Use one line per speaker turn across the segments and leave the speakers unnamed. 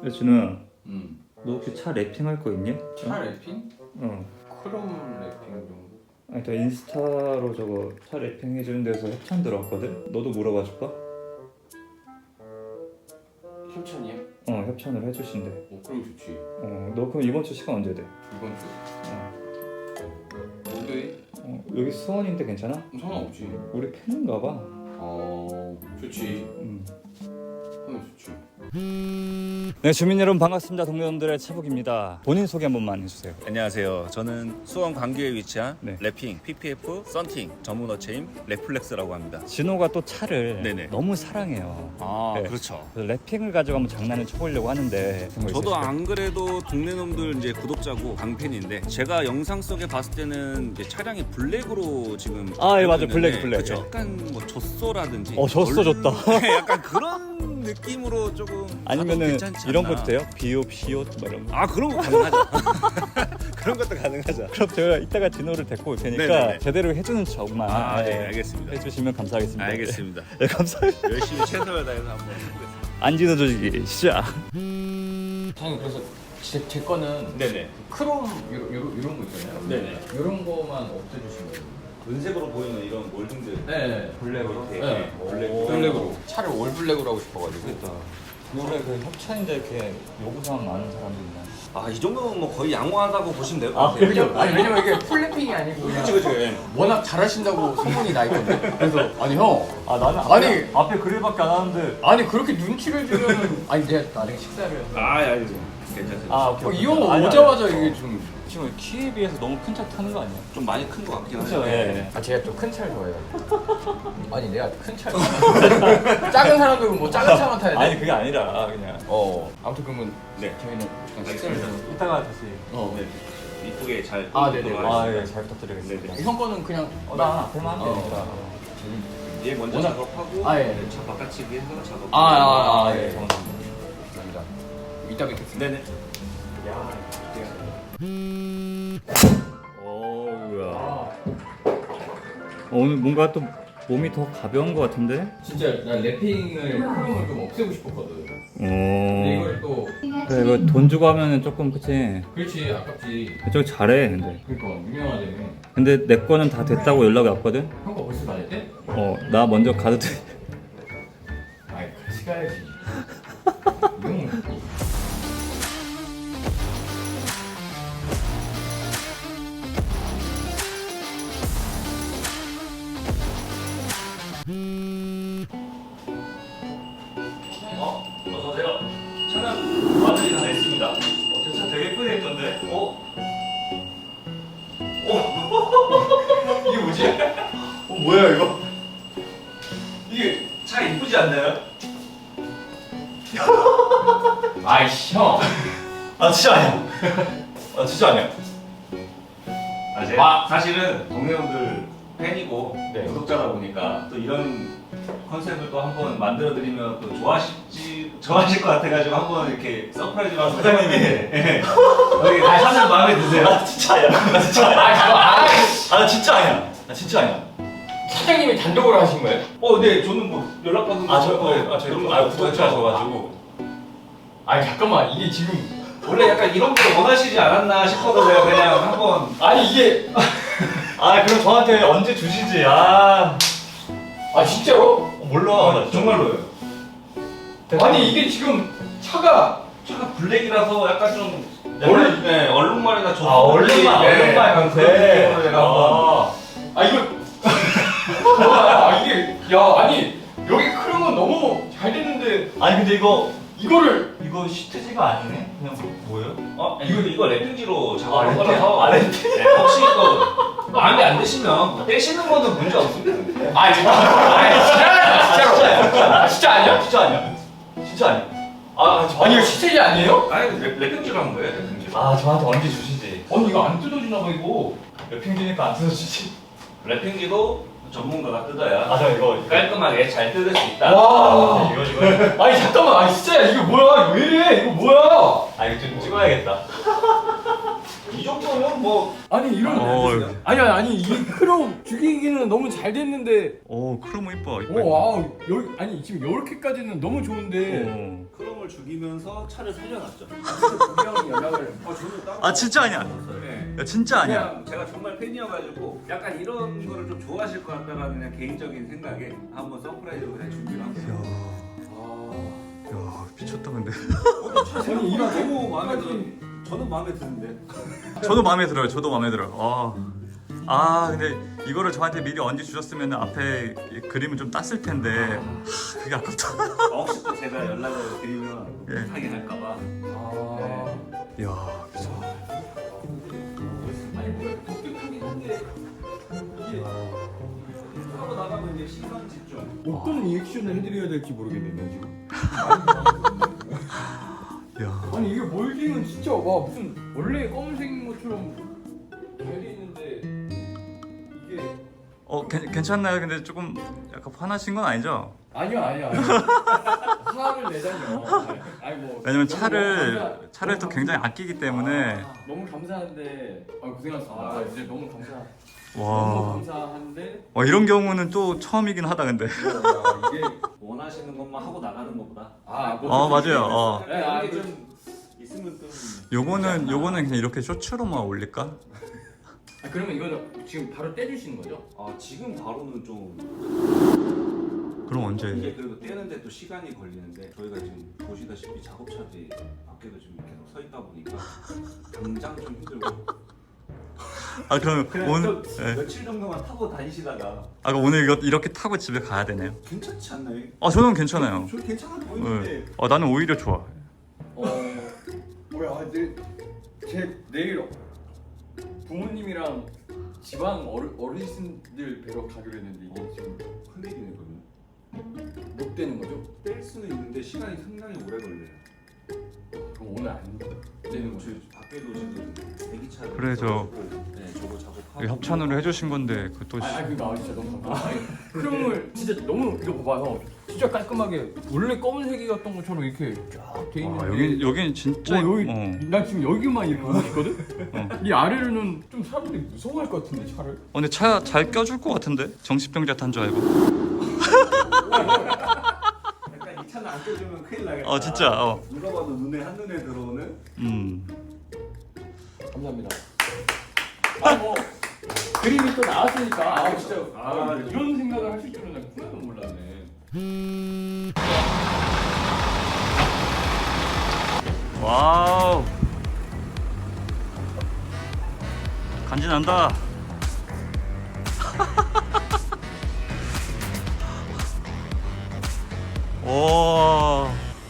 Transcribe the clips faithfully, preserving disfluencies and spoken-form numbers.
야 준호야,
음.
너 혹시 차 랩핑 할 거 있니?
차 랩핑?
어.
크롬 랩핑 정도?
아니 나 인스타로 저거 차 랩핑 해주는 데서 협찬 들어왔거든? 너도 물어봐 줄까?
협찬이야?
어 협찬을 해주신대.
어 그럼 좋지.
어너 그럼 이번 주 시간 언제 돼?
이번 주?
어.
목요일?
어 여기 수원인데 괜찮아?
상관없지.
우리 팬인가 봐.
어 좋지.
음.
하면 좋지.
네 주민 여러분 반갑습니다. 동료분들의 차북입니다. 본인 소개 한 번만 해주세요.
안녕하세요. 저는 수원 광교에 위치한
네.
랩핑, 피피에프, 썬팅 전문 어체인 랩플렉스라고 합니다.
진호가 또 차를
네네.
너무 사랑해요.
아,
네.
그렇죠.
그래서 랩핑을 가지고 한번 장난을 쳐보려고 하는데 그런 거
저도
있으실까요?
안 그래도 동네 놈들 이제 구독자고 강팬인데 제가 영상 속에 봤을 때는 이제 차량이 블랙으로 지금
아, 예, 맞아요.
있는데,
블랙, 블랙.
그쵸?
예.
약간 뭐 젖소라든지
어, 젖소
얼-
좋다.
네, 약간 그런 느낌으로 조금
아니면은
괜찮지
이런
않나.
것도 돼요? 비옷, 시옷 뭐 이런 거.
아 그런 거 가능하죠. 그런 것도 가능하죠.
그럼 제가 이따가 진호를 데리고 올 테니까
네네네.
제대로 해주는 척만
아, 네,
예,
알겠습니다.
해주시면 감사하겠습니다.
알겠습니다.
네, 네, 감사합니다.
열심히 최선을 다해서 한번 해보겠습니다.
안진호 조직이 시작.
저는 그래서 제, 제 거는
네네.
크롬 요런 요런 요런 거 있잖아요.
네네.
요런 거만 없애주신 거예요.
은색으로 보이는 이런 몰딩들.
네.
블랙으로.
네.
블랙.
블랙으로. 차를 올 블랙으로 하고 싶어가지고.
올해 그 협찬인데 이렇게 요구사항 많은 사람도 있나?
아, 이 정도면 뭐 거의 양호하다고 보시면 될것
아,
같아요.
그래요?
아니 왜냐면 이게 풀랩핑이 아니고 그냥
그치, 그치. 예.
워낙 잘하신다고 소문이 나 있거든요. 그래서 아니 형
아 나는
아니,
앞에, 앞에 그릴밖에 안 하는데.
아니 그렇게 눈치를 주면은 아니 내가 나중에 식사를 해서
아, 아니, 괜찮습니다.
아 오케이.
어,
오케이.
이 형
아니,
오자마자
아니,
이게
어,
좀
지금 키에 비해서 너무 큰 차 타는 거 아니야?
좀 많이 큰 것 같긴
그렇죠.
하죠.
예.
아 제가 또 큰 차를 좋아해요. 아니 내가 큰 차 작은 사람들은 뭐 작은 차만 타야 돼.
아니 그게 아니라 그냥
어 아무튼 그러면
네.
저희는 잠깐 식사를
알겠습니다.
해서
이따가 다시.
어
네. 이쁘게 잘
아, 네네.
보도록
아
하겠습니다.
예 잘 부탁드리겠습니다.
네네.
형 거는 그냥
어, 나 앞에만 하면
어.
되니까.
얘 먼저
워낙-
작업하고
아, 예.
차 바깥치기 해서 작업.
아, 아, 아,
아,
예.
예.
감사합니다. 이따 뵙겠습니다.
네네.
어우야. 어, 오늘 뭔가 또 몸이 더 가벼운 것 같은데?
진짜 난 랩핑을 크롬을 좀 없애고 싶었거든. 근데
오.
이걸 또
그래 이거 돈 주고 하면은 조금 그치.
그렇지 아깝지.
저기 잘해 근데.
그러니까 유명하다며.
근데 내 거는 다 됐다고 연락이 왔거든?
형 거 벌써 다 됐대?
어 나 먼저 가도 돼.
아이 같이 가야지. 형
어? 어서오세요. 차는 마무리 다 됐습니다. 어, 저 차 되게 예쁘게 했던데? 어? 어? 이게 뭐지? 어, 뭐야 이거? 이게 차 이쁘지 않나요?
아이씨 형.
아 진짜 아니야. 아 진짜 아니야.
아, 제가
아.
사실은 동네분들 팬이고
네.
구독자다 보니까 또 이런 컨셉을 또 한번 만들어드리면 또 좋아하실지 좋아하실 것 같아가지고 한번 이렇게 서프라이즈로 사장님이 예. 여기 차는 마음에 드세요?
아 진짜 아니야. 나 진짜 아니야.
아 그거 아이씨.
아 나 진짜 아니야. 나 진짜 아니야.
사장님이 단독으로 하신 거예요?
어, 네, 저는 뭐 연락받은 거.
아, 저,
어,
어, 아, 저,
그런 거
아, 구독자셔가지고.
아니 잠깐만 이게 지금
원래 약간 이런 거 원하시지 않았나 싶어서 그냥 한번.
아니 이게
아, 그럼 저한테 언제 주시지? 아,
아 진짜로?
어, 몰라. 나 진짜.
정말로요.
아니 이게 지금 차가
차가 블랙이라서 약간 좀
얼룩-
네, 얼룩말이나 좀.
아, 얼룩말, 얼룩말 강세.
제가 한번.
아,
아 이거 아 이게 야 아니 여기 크롬은 너무 잘 됐는데
아니, 근데 이거,
이거를
이거 시트지가 아니네? 그냥 뭐예요?
어, 이거 이거 랩핑지로
아,
작업한
랩핑?
거라서.
아, 랩핑?
네, 혹시 또 마음에 안 드시면 떼시는 거는 문제 없습니다.
아 진짜 아 진짜로 아 진짜 아니야?
진짜 아니야. 진짜 아니야. 아, 저,
아니 이거 시트지 아니에요?
아니 랩, 랩핑지로 한 거예요, 랩핑지로.
아, 저한테 언제 주시지?
아니 이거 안 뜯어지나 봐 이거
랩핑 주니까 안 뜯어주지.
랩핑지도 전문가가 뜯어야
아, 저 이거.
깔끔하게 잘 뜯을 수 있다.
와
아, 이거, 이거.
아니 잠깐만 아니 진짜야 이거 뭐야 왜 이래 이거 뭐야
아, 이거 좀 찍어야겠다.
이 정도 정도면 뭐
아니 이런
어,
아니 아니 아니 이 크롬 죽이기는 너무 잘 됐는데
오 크롬 이뻐 이뻐.
오 와우 여, 아니 지금 이렇게까지는 너무 좋은데
오.
크롬을 죽이면서 차를 살려놨죠.
구경 연락을
아, 저는 따로
아, 진짜 아니야?
네.
야 진짜 아니야.
그냥 제가 정말 팬이어가지고 약간 이런 거를 좀 좋아하실 것 같다라는 그냥 개인적인 생각에 한번 서프라이즈로 그냥 준비를 한 거예요.
아
야 미쳤다 근데.
아니 이거 너무 마음에 들어. 저는 마음에 드는데.
저도 마음에 들어요. 저도 마음에 들어요. 아. 아 근데 이거를 저한테 미리 언제 주셨으면 앞에 이 그림을 좀 땄을 텐데 하, 그게 아깝다.
아, 혹시 또 제가 연락을 드리면
예.
못하게 할까봐.
아.
야 미쳤다.
아니 뭔가 독특하긴 한데 이게
하고 나가면 이제 시선 집중.
어떤 리액션을 해드려야 될지 모르겠네요 지금.
야.
아니 이게 몰딩은 진짜 와 무슨 원래 검은색인 것처럼 잘 돼 있는데 이게
어 괜, 괜찮나요? 근데 조금 약간 화나신 건 아니죠?
아니요 아니요 아니요 화를 내다니요. 아니 뭐
왜냐면
너무
차를
감사-
차를 또
너무
굉장히 아끼기 때문에
아, 너무 감사한데 아 고생하셨습니다.
아,
아, 진짜 너무 감사. 너무
와.
감사한데
와 이런 경우는 또 처음이긴 하다 근데.
야, 이게
원하시는 것만 하고 나가는 것보다.
아, 뭐
어 맞아요. 어.
네, 아,
이게
그-
좀 있으면 좀.
요거는 요거는 그냥 이렇게 쇼츠로만 올릴까?
아, 그러면 이거는 지금 바로 떼주시는 거죠?
아 지금 바로는 좀
그럼
이게
언제?
그래도 떼는데 또 시간이 걸리는데 저희가 지금 보시다시피 작업차들이 밖에도 지금 계속 서 있다 보니까 당장 좀 힘들고
아 그럼
그냥
오늘
또
예.
며칠 정도만 타고 다니시다가
아 그럼 오늘 이거 이렇게 타고 집에 가야 되네요.
괜찮지 않나요?
아 저는 괜찮아요.
저 괜찮아
네.
보이는데
어 나는 오히려 좋아.
어 뭐야 내일 제 내일 부모님이랑 지방 어르, 어르신들 뵈러 가기로 했는데 이게 지금
큰일이네 그러면.
못 되는 거죠?
뗄 수는 있는데 시간이 상당히 오래 걸려요.
그럼 오늘 안 되는 거죠?
저희 밖에도 지금 대기차를
그래, 저-
있어가지고, 네 저거 작업하고
협찬으로 해주신 건데 그또
아, 아 그니까 진짜 너무 감사해요. 크롬을 진짜 너무 이거 봐봐요. 진짜 깔끔하게 원래 검은색이었던 것처럼 이렇게 쫙 돼 있는데
아, 여기 여기는 진짜
어, 여기
어.
나 지금 여기만 이렇게 보고 있거든?
어.
이 아래로는 좀 사람들이 무서워할 것 같은데 차를
어, 근데 차 잘 껴줄 것 같은데 정신병자 탄 줄 알고.
약간 이 차는 안 껴주면 큰일 나겠다.
어 진짜. 어.
누가 봐도 눈에 한눈에 들어오는.
음.
감사합니다. 아 뭐 그림이 또 나왔으니까 아 진짜 아,
아,
이런 생각을 하실 줄은 난 꿈에도 몰랐네.
와우. 간지 난다. 오.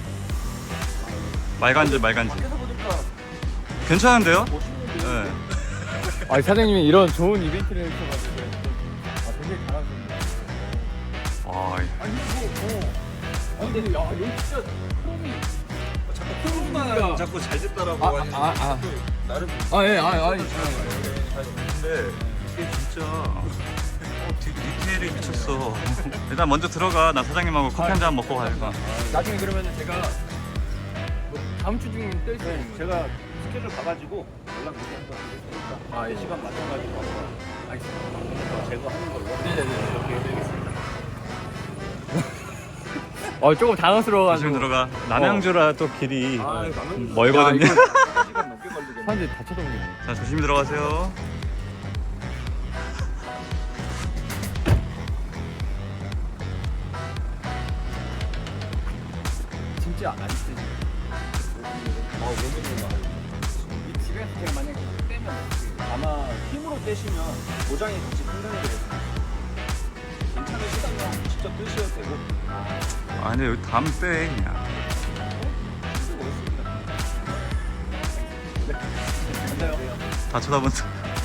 말간지 말간지.
밖에서 보니까
괜찮은데요?
멋있는데.
네.
아 사장님이 이런 좋은 이벤트를 해주셔가지고 아 되게 잘하셨네요.
와.
아니 이거 어. 아니 근데 야 여기 진짜 크롬이
자꾸 크루즈가 자꾸 잘 됐다라고
아,
하니까
아, 아.
또 나름
아예 아 아니
근데 이게 진짜 어, 디, 디테일이 미쳤어. 일단 먼저 들어가. 나 사장님하고 커피 한 잔 먹고 가야겠다.
나중에 그러면은 제가 뭐 다음 주 중에 뜰 수 있는
제가 스케줄 가가지고 연락 드리니까
아, 예.
시간 맞춰가지고 한번
알겠습니다.
제거하는 걸로
네네네.
이렇게 해드리겠습니다.
어 조금 당황스러워가지고
지금 들어가. 남양주라 또 길이
아, 나는
멀거든요.
야,
시간 넘게 걸리겠네.
사람들이 다 쳐다보겠네.
자 조심히 들어가세요.
진짜 안 쓰지.
아, 몸이
이 집에서 제가 만약에 빼면 어떻게?
아마 힘으로 떼시면 고장이 같이 생성이 되거든요. 괜찮으시다면 직접 뜨셔도 되고
아 근데 여기 다음 빼 그냥.
쓰고 있습니다. 네, 감사해요.
다 쳐다본다.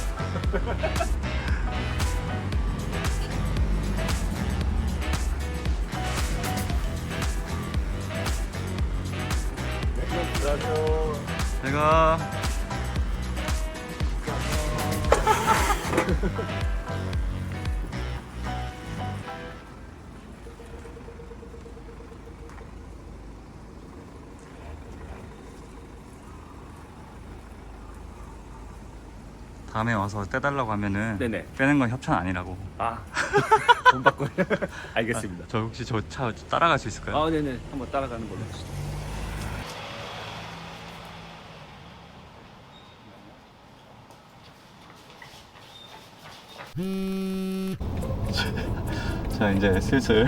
안녕하세요.
제가
다음에 와서 떼달라고 하면은
네네.
빼는 건 협찬 아니라고.
아, 돈 받고. 알겠습니다.
저 혹시 저 차 따라갈 수 있을까요?
아, 네네. 한번 따라가는 걸로 하시죠.
자, 이제 슬슬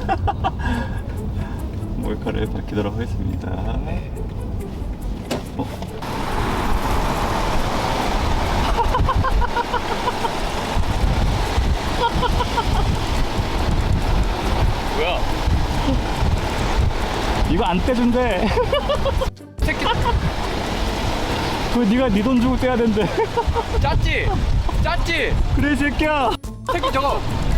몰카를 밝히도록 하겠습니다. 어?
뭐야?
이거 안 떼준대.
새끼
그거 네가 네 돈 주고 떼야 된대.
짰지? 짰지?
그래 이 새끼야.
새끼 저거.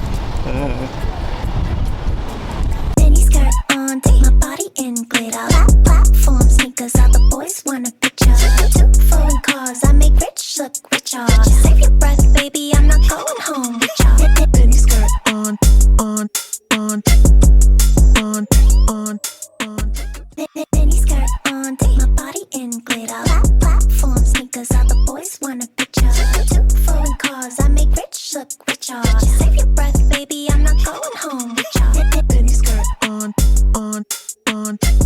Mini skirt on, take my body in glitter. Plat platform sneakers, all the boys want a picture. Two foreign cars, I make rich look richer. Save your breath, baby, I'm not going home with ya. Mini skirt on, on, on, on, on, on. Mini skirt on, take my body in glitter. Plat platform sneakers, all the boys want a picture. Two foreign cars, I make rich look richer. Save your breath, baby, I'm not going home with ya. Mini skirt on, on, on.